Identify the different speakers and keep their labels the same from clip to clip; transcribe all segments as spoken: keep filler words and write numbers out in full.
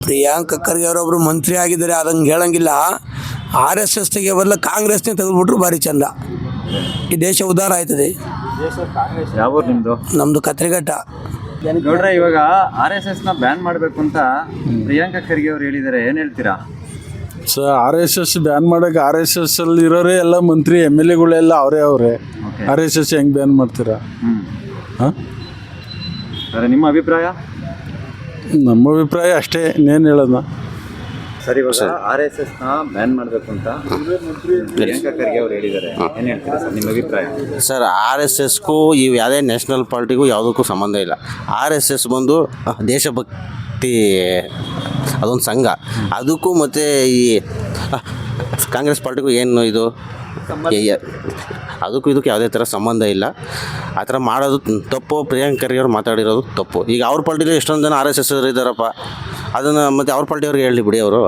Speaker 1: ಪ್ರಿಯಾಂಕ ಖರ್ಗೆ ಅವರೊಬ್ಬರು ಮಂತ್ರಿ ಆಗಿದ್ದಾರೆ, ಅದಂಗೆ ಹೇಳಂಗಿಲ್ಲ. ಆರ್ ಎಸ್ ಎಸ್ ತೆಗೆ ಬದಲು ಕಾಂಗ್ರೆಸ್ನೇ ತೆಗೆದುಬಿಟ್ರು ಭಾರಿ ಚಂದ, ಈ ದೇಶ ಉದ್ಧಾರ ಆಯ್ತದೆ.
Speaker 2: ಯಾವ ನಿಮ್ಮದು?
Speaker 1: ನಮ್ಮದು ಕತ್ರಿಘಟ್ಟ.
Speaker 2: ನೋಡ್ರೆ, ಇವಾಗ ಆರ್ ಎಸ್ ಎಸ್ನ ಬ್ಯಾನ್ ಮಾಡಬೇಕು ಅಂತ ಪ್ರಿಯಾಂಕ ಖರ್ಗೆ ಅವರು ಹೇಳಿದ್ದಾರೆ, ಏನು ಹೇಳ್ತೀರಾ?
Speaker 3: So R S S ban ಮಾಡೋಕೆ ಆರ್ ಎಸ್ ಎಸ್ ಅಲ್ಲಿ ಇರೋರೇ ಎಲ್ಲ ಮಂತ್ರಿ ಎಮ್ ಎಲ್ ಎಗಳೆಲ್ಲ ಅವರೇ ಅವರೇ ಆರ್ ಎಸ್ ಎಸ್ ಹೆಂಗೆ ಬ್ಯಾನ್ ಮಾಡ್ತೀರಾ? ಹಾಂ,
Speaker 2: ಸರಿ, ನಿಮ್ಮ ಅಭಿಪ್ರಾಯ?
Speaker 3: ನಮ್ಮ ಅಭಿಪ್ರಾಯ ಅಷ್ಟೇ, ಇನ್ನೇನು ಹೇಳೋಣ.
Speaker 2: ಸರಿ, ಇವಾಗ ಆರ್ ಎಸ್ ಎಸ್ನ ಬ್ಯಾನ್ ಮಾಡಬೇಕು ಅಂತ ಪ್ರಿಯಾಂಕ ಖರ್ಗೆ ಅವರು ಹೇಳಿದ್ದಾರೆ, ಏನು ಹೇಳ್ತೀರಾ ಸರ್ ನಿಮ್ಮ ಅಭಿಪ್ರಾಯ?
Speaker 4: ಸರ್, ಆರ್ ಎಸ್ ಎಸ್ಗೂ ಇವು ಯಾವುದೇ ನ್ಯಾಷನಲ್ ಪಾರ್ಟಿಗೂ ಯಾವುದಕ್ಕೂ ಸಂಬಂಧ ಇಲ್ಲ. ಆರ್ ಎಸ್ ಎಸ್ ಬಂದು ದೇಶಭಕ್ತಿ ಅದೊಂದು ಸಂಘ, ಅದಕ್ಕೂ ಮತ್ತು ಈ ಕಾಂಗ್ರೆಸ್ ಪಾರ್ಟಿಗೂ ಏನು ಇದು ಅದಕ್ಕೂ ಇದಕ್ಕೂ ಯಾವುದೇ ಥರ ಸಂಬಂಧ ಇಲ್ಲ. ಆ ಥರ ಮಾಡೋದು ತಪ್ಪು. ಪ್ರಿಯಾಂಕ ಖರ್ಗೆ ಅವ್ರು ಮಾತಾಡಿರೋದು ತಪ್ಪು. ಈಗ ಅವ್ರ ಪಾರ್ಟಿಲಿ ಎಷ್ಟೊಂದು ಜನ ಆರ್ ಎಸ್ ಎಸ್ ಇದ್ದಾರಪ್ಪ, ಅದನ್ನು ಮತ್ತು ಅವ್ರ ಪಾರ್ಟಿಯವ್ರಿಗೆ ಹೇಳಿ ಬಿಡಿ ಅವರು.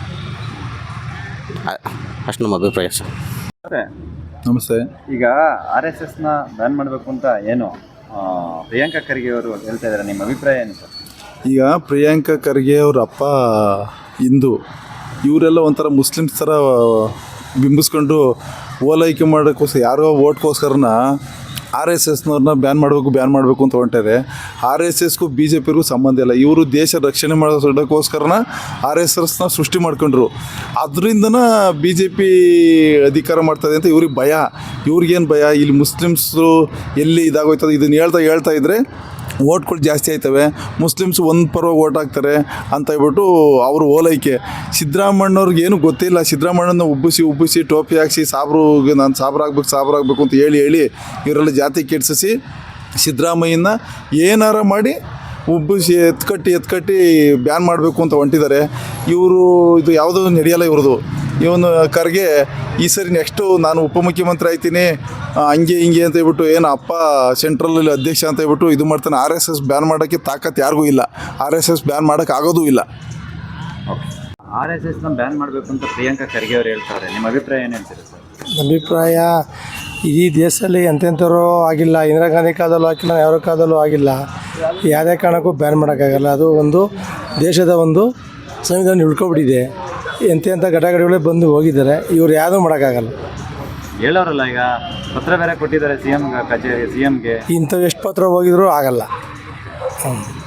Speaker 4: ಅಷ್ಟು ನಮ್ಮ ಅಭಿಪ್ರಾಯ ಸರ್.
Speaker 3: ನಮಸ್ತೆ.
Speaker 2: ಈಗ ಆರ್ ಎಸ್ ಎಸ್ನ ಬ್ಯಾನ್ ಮಾಡಬೇಕು ಅಂತ ಏನು ಪ್ರಿಯಾಂಕ ಖರ್ಗೆ ಅವರು ಹೇಳ್ತಾ ಇದ್ದಾರೆ, ನಿಮ್ಮ ಅಭಿಪ್ರಾಯ ಏನು ಸರ್?
Speaker 3: ಈಗ ಪ್ರಿಯಾಂಕ ಖರ್ಗೆ ಅವ್ರ ಅಪ್ಪ ಹಿಂದೂ, ಇವರೆಲ್ಲ ಒಂಥರ ಮುಸ್ಲಿಮ್ಸ್ ಥರ ಬಿಂಬಿಸ್ಕೊಂಡು ಓಲೈಕೆ ಮಾಡೋಕ್ಕೋಸ್ಕರ ಯಾರೋ ಓಟ್ಗೋಸ್ಕರನ ಆರ್ ಎಸ್ ಎಸ್ನವ್ರನ್ನ ಬ್ಯಾನ್ ಮಾಡಬೇಕು ಬ್ಯಾನ್ ಮಾಡಬೇಕು ಅಂತ ಹೊಂಟಾರೆ. ಆರ್ ಎಸ್ ಎಸ್ಗೂ ಬಿ ಜೆ ಪಿಗೂ ಸಂಬಂಧ ಇಲ್ಲ. ಇವರು ದೇಶ ರಕ್ಷಣೆ ಮಾಡೋದಕ್ಕೋಸ್ಕರನ ಆರ್ ಎಸ್ ಎಸ್ನ ಸೃಷ್ಟಿ ಮಾಡ್ಕೊಂಡ್ರು. ಅದರಿಂದನ ಬಿ ಜೆ ಪಿ ಅಧಿಕಾರ ಮಾಡ್ತದೆ ಅಂತ ಇವ್ರಿಗೆ ಭಯ. ಇವ್ರಿಗೇನು ಭಯ? ಇಲ್ಲಿ ಮುಸ್ಲಿಮ್ಸು ಎಲ್ಲಿ ಇದಾಗೋಯ್ತದೆ, ಇದನ್ನು ಹೇಳ್ತಾ ಹೇಳ್ತಾ ಇದ್ದರೆ ಓಟ್ಗಳು ಜಾಸ್ತಿ ಆಯ್ತವೆ, ಮುಸ್ಲಿಮ್ಸ್ ಒಂದು ಪರವಾಗಿ ಓಟ್ ಹಾಕ್ತಾರೆ ಅಂತ ಹೇಳ್ಬಿಟ್ಟು ಅವರು ಓಲೈಕೆ. ಸಿದ್ದರಾಮಣ್ಣವ್ರಿಗೆ ಏನು ಗೊತ್ತಿಲ್ಲ. ಸಿದ್ದರಾಮಣ್ಣನ ಉಬ್ಬಿಸಿ ಉಬ್ಬಿಸಿ ಟೋಪಿ ಹಾಕ್ಸಿ ಸಾಬ್ರಿಗೆ ನಾನು ಸಾಬ್ರಾಗಬೇಕು ಸಾಬ್ರಾಗಬೇಕು ಅಂತ ಹೇಳಿ ಹೇಳಿ ಇವರೆಲ್ಲ ಜಾತಿ ಕೆಡಿಸಿ ಸಿದ್ದರಾಮಯ್ಯನ ಏನಾರ ಮಾಡಿ ಉಬ್ಬಿಸಿ ಎತ್ಕಟ್ಟಿ ಎತ್ಕಟ್ಟಿ ಬ್ಯಾನ್ ಮಾಡಬೇಕು ಅಂತ ಹೊಂಟಿದ್ದಾರೆ. ಇವರು ಇದು ಯಾವುದೂ ನಡೆಯಲ್ಲ ಇವ್ರದ್ದು. ಇವನು ಖರ್ಗೆ ಈ ಸರಿ ನೆಕ್ಸ್ಟು ನಾನು ಉಪಮುಖ್ಯಮಂತ್ರಿ ಆಯ್ತೀನಿ ಹಂಗೆ ಹಿಂಗೆ ಅಂತ ಹೇಳ್ಬಿಟ್ಟು ಏನು ಅಪ್ಪ ಸೆಂಟ್ರಲಲ್ಲಿ ಅಧ್ಯಕ್ಷ ಅಂತ ಹೇಳ್ಬಿಟ್ಟು ಇದು ಮಾಡ್ತಾನೆ. ಆರ್ ಎಸ್ ಎಸ್ ಬ್ಯಾನ್ ಮಾಡೋಕ್ಕೆ ತಾಕತ್ತು ಯಾರಿಗೂ ಇಲ್ಲ. ಆರ್ ಎಸ್ ಎಸ್ ಬ್ಯಾನ್ ಮಾಡೋಕ್ಕೆ ಆಗೋದೂ ಇಲ್ಲ.
Speaker 2: ಆರ್ ಎಸ್ ಎಸ್ನ ಬ್ಯಾನ್ ಮಾಡಬೇಕು ಅಂತ ಪ್ರಿಯಾಂಕ ಖರ್ಗೆ ಅವರು ಹೇಳ್ತಾರೆ, ನಿಮ್ಮ ಅಭಿಪ್ರಾಯ ಏನು ಹೇಳ್ತೀರಾ ಸರ್?
Speaker 5: ಅಭಿಪ್ರಾಯ, ಈ ದೇಶದಲ್ಲಿ ಎಂತೆಂಥವ್ರು ಆಗಿಲ್ಲ. ಇಂದಿರಾ ಗಾಂಧಿ ಕಾಲದಲ್ಲೂ ಆಗಿಲ್ಲ, ಯಾರ ಕಾಲದಲ್ಲೂ ಆಗಿಲ್ಲ. ಯಾವುದೇ ಕಾರಣಕ್ಕೂ ಬ್ಯಾನ್ ಮಾಡೋಕ್ಕಾಗಲ್ಲ. ಅದು ಒಂದು ದೇಶದ ಒಂದು ಸಂವಿಧಾನ ಉಳ್ಕೊಬಿಟ್ಟಿದೆ. ಎಂತೆಂಥ ಘಟಕಗಳೇ ಬಂದು ಹೋಗಿದ್ದಾರೆ, ಇವ್ರು ಯಾವುದೂ ಮಾಡೋಕ್ಕಾಗಲ್ಲ.
Speaker 2: ಹೇಳೋರಲ್ಲ, ಈಗ ಪತ್ರ ಬೇರೆ ಕೊಟ್ಟಿದ್ದಾರೆ ಸಿ ಎಮ್ ಕಚೇರಿ ಸಿ ಎಮ್ಗೆ.
Speaker 5: ಇಂಥವು ಎಷ್ಟು ಪತ್ರ ಹೋಗಿದ್ರೂ ಆಗಲ್ಲ. ಹ್ಞೂ